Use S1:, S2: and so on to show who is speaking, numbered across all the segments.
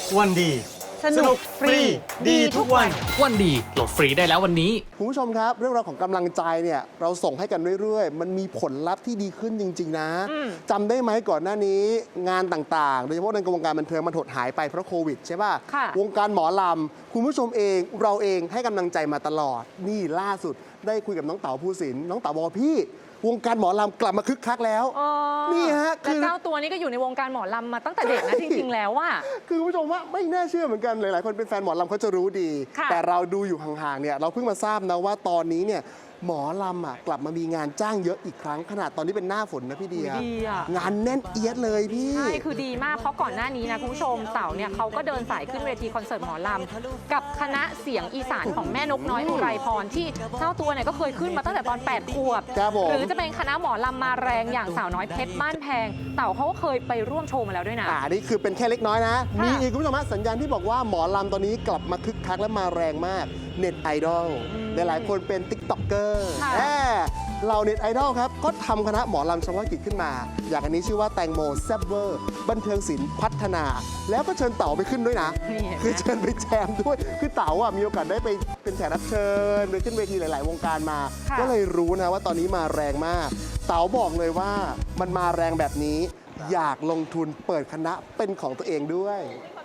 S1: วันดีสนุกฟรีดีทุกวัน
S2: วันดีโหลดฟรีได้แล้ววันนี้
S3: คุณผู้ชมครับเรื่องราวของกำลังใจเนี่ยเราส่งให้กันเรื่อยๆมันมีผลลัพธ์ที่ดีขึ้นจริงๆนะจำได้ไหมก่อนหน้านี้งานต่างๆโดยเฉพาะในวงการบันเทิงมันถดหายไปเพราะโควิดใช่ป่ะวงการหมอลำคุณผู้ชมเองเราเองให้กำลังใจมาตลอดนี่ล่าสุดได้คุยกับน้องเต๋าภูสินทร์น้องเต๋าบอกพี่วงการหมอลำกลับมาคึกคักแล้วนี่ฮะ
S4: คือเจ้าตัวนี้ก็อยู่ในวงการหมอลำมาตั้งแต่เด็กนะจริงๆแล้วว่า
S3: คือคุณผู้ชมว่าไม่น่าเชื่อเหมือนกันหลายๆคนเป็นแฟนหมอลำเขาจะรู้ดีแต่เราดูอยู่ห่างๆเนี่ยเราเพิ่งมาทราบนะว่าตอนนี้เนี่ยหมอลำกลับมามีงานจ้างเยอะอีกครั้งขนาดตอนนี้เป็นหน้าฝนนะพี่เดียงานแน่นเอียดเลยพี่
S4: ใช่คือดีมากเพราะก่อนหน้านี้นะคุณผู้ชมเต๋าเนี่ยเขาก็เดินสายขึ้นเวทีคอนเสิร์ตหมอลำกับคณะเสียงอีสานของแม่นกน้อยอุไรพรที่เจ้าตัวเนี่ยก็เคยขึ้นมาตั้งแต่ตอน8 ขวบหรือจะเป็นคณะหมอลำมาแรงอย่างสาวน้อยเพชรบ้านแพงเต๋าเขาก็เคยไปร่วมโชว์มาแล้วด้วยนะ
S3: นี่คือเป็นแค่เล็กน้อยนะมีอีกคุณผู้ชมสัญญาณที่บอกว่าหมอลำตอนนี้กลับมาคึกคักและมาแรงมากเน็ตไอดอลหลายคนเป็นติ๊กต็อกเกอร์เราเน็ตไอดอลครับก็ทำคณะหมอลำเฉพาะกิจขึ้นมาอย่างอันนี้ชื่อว่าแตงโมแซบเวอร์บันเทิงศิลป์พัฒนาแล้วก็เชิญเต๋าไปขึ้นด้วยนะคือเชิญไปแจมด้วยคือเต๋ามีโอกาสได้ไปเป็นแขกรับเชิญไปขึ้นเวทีหลายๆวงการมาก็เลยรู้นะว่าตอนนี้มาแรงมากเต๋าบอกเลยว่ามันมาแรงแบบนี้อยากลงทุนเปิดคณะเป็นของตัวเองด้วย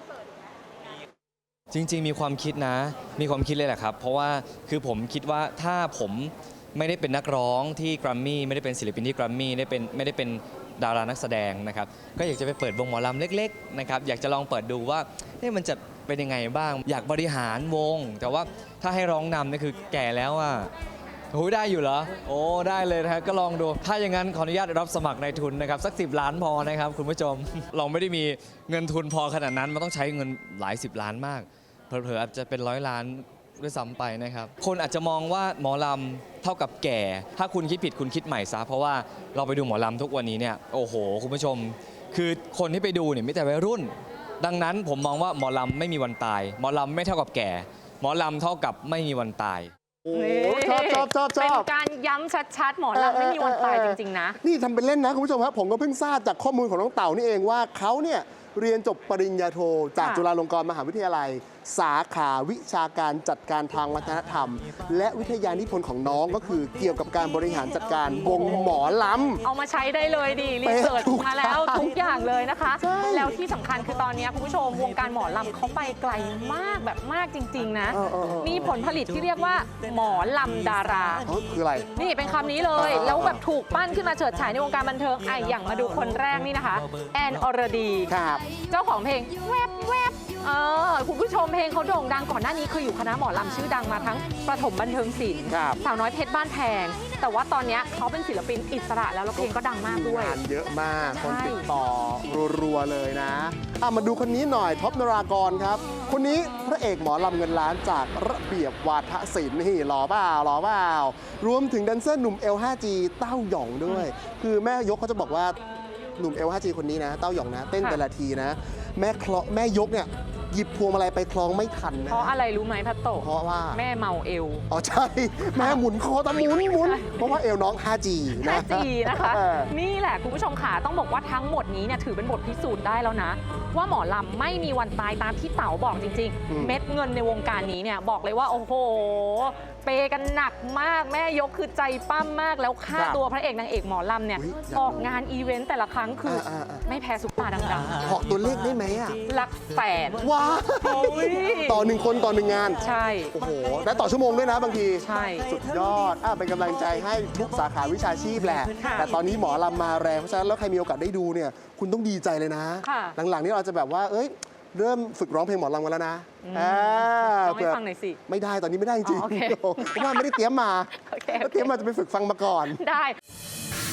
S5: จริงๆมีความคิดนะมีความคิดเลยแหละครับเพราะว่าคือผมคิดว่าถ้าผมไม่ได้เป็นนักร้องที่แกรมมี่ไม่ได้เป็นศิลปินที่แกรมมี่ไม่ได้เป็นดารานักแสดงนะครับก็อยากจะไปเปิดวงหมอลำเล็กๆนะครับอยากจะลองเปิดดูว่ามันจะเป็นยังไงบ้างอยากบริหารวงแต่ว่าถ้าให้ร้องนำนี่คือแก่แล้วอ่ะโอ้ได้อยู่เหรอโอ้ได้เลยนะครับก็ลองดูถ้าอย่างนั้นขออนุญาตรับสมัครในทุนนะครับสัก10 ล้านพอนะครับคุณผู้ชมเราไม่ได้มีเงินทุนพอขนาดนั้นมันต้องใช้เงินหลาย10 ล้านมากเผลอๆอาจจะเป็น100 ล้านด้วยซ้ำไปนะครับคนอาจจะมองว่าหมอลำเท่ากับแก่ถ้าคุณคิดผิดคุณคิดใหม่ซะเพราะว่าเราไปดูหมอลำทุกวันนี้เนี่ยโอ้โหคุณผู้ชมคือคนที่ไปดูเนี่ยมีแต่วัยรุ่นดังนั้นผมมองว่าหมอลำไม่มีวันตายหมอลำไม่เท่ากับแก่หมอลำเท่ากับไม่มีวันตาย
S3: โอ้ชอบ
S4: เป็นการย้ำชัดๆหมอลำไม่มีวันตายจริงๆนะ
S3: นี่ทำเป็นเล่นนะคุณผู้ชมครับผมก็เพิ่งทราบจากข้อมูลของน้องเต่านี่เองว่าเขาเนี่ยเรียนจบปริญญาโทจากจุฬาลงกรณ์มหาวิทยาลัยสาขาวิชาการจัดการทางวัฒนธรรมและวิทยานิพนธ์ของน้องก็คือเกี่ยวกับการบริหารจัดการวงหมอลำ
S4: เอามาใช้ได้เลยดิรีเสิร์ชมาแล้วทุกอย่างเลยนะคะแล้วที่สำคัญคือตอนนี้คุณผู้ชมวงการหมอลำเขาไปไกลมากแบบมากจริงๆนะมีผลผลิตที่เรียกว่าหมอลำดารา
S3: คืออะไร
S4: นี่เป็นคำนี้เลยแล้วแบบถูกปั้นขึ้นมาเฉิดฉายในวงการบันเทิงอย่างมาดูคนแรกนี่นะคะแอนอรดีเจ้าของเพลงแวบแวบคุณผู้ชมเพลงเขาโด่งดังก่อนหน้านี้คืออยู่คณะหมอลำชื่อดังมาทั้งประถมบันเทิงศิลป์สาวน้อยเพชรบ้านแพงแต่ว่าตอนนี้เขาเป็นศิลปินอิสระแล้วเพลงก็ดังมากด้วย
S3: งานเยอะมากคนติดต่อรัวๆเลยนะมาดูคนนี้หน่อยท็อปนรากรครับคนนี้พระเอกหมอลำเงินล้านจากระเบียบวาทศิลป์นี่หล่อเปล่ารวมถึงแดนเซอร์หนุ่ม L5G เต้าหย่องด้วยคือแม่ยกเขาจะบอกว่าหนุ่ม L5G คนนี้นะเต้าหย่องนะเต้นแต่ละทีนะแม่ยกเนี่ยหยิบพวงมาลัยไปคล้องไม่ทันนะ
S4: เพราะอะไรรู้ไหมพัตโต
S3: เพราะว่า
S4: แม่เมาเอว
S3: ใช่แม่หมุนคอตะหมุนเพราะว่าเอวน้อง 5G
S4: นะคะนี่แหละคุณผู้ชมค่ะต้องบอกว่าทั้งหมดนี้เนี่ยถือเป็นบทพิสูจน์ได้แล้วนะว่าหมอลำไม่มีวันตายตามที่เต๋าบอกจริงๆเม็ดเงินในวงการนี้เนี่ยบอกเลยว่าโอ้โหเปกันหนักมากแม่ยกคือใจปั้มมากแล้วค่าตัวพระเอกนางเอกหมอลำเนี่ยออกงานอีเวนต์แต่ละครั้งคือไม่แพ้ซุปตาดัง
S3: ๆบอกตัวเลขได้ไหม
S4: หลักแสน
S3: ว้าวต่อ1 คนต่อ1 งาน
S4: ใช่
S3: โอ้โหและต่อชั่วโมงด้วยนะบางที
S4: ใช่
S3: สุดยอดเป็นกำลังใจให้ทุกสาขาวิชาชีพแหละแต่ตอนนี้หมอลำมาแรงเพราะฉะนั้นแล้วใครมีโอกาสได้ดูเนี่ยคุณต้องดีใจเลยนะหลังๆนี้เราจะแบบว่าเริ่มฝึกร้องเพลงหมอลำกันแล้วนะ
S4: ต้องให้ฟังหน่อยสิ
S3: ไม่ได้ตอนนี้ไม่ได้จริงเพราะว่าไม่ได้เตรียมมาจะไปฝึกฟังมาก่อน
S4: ได้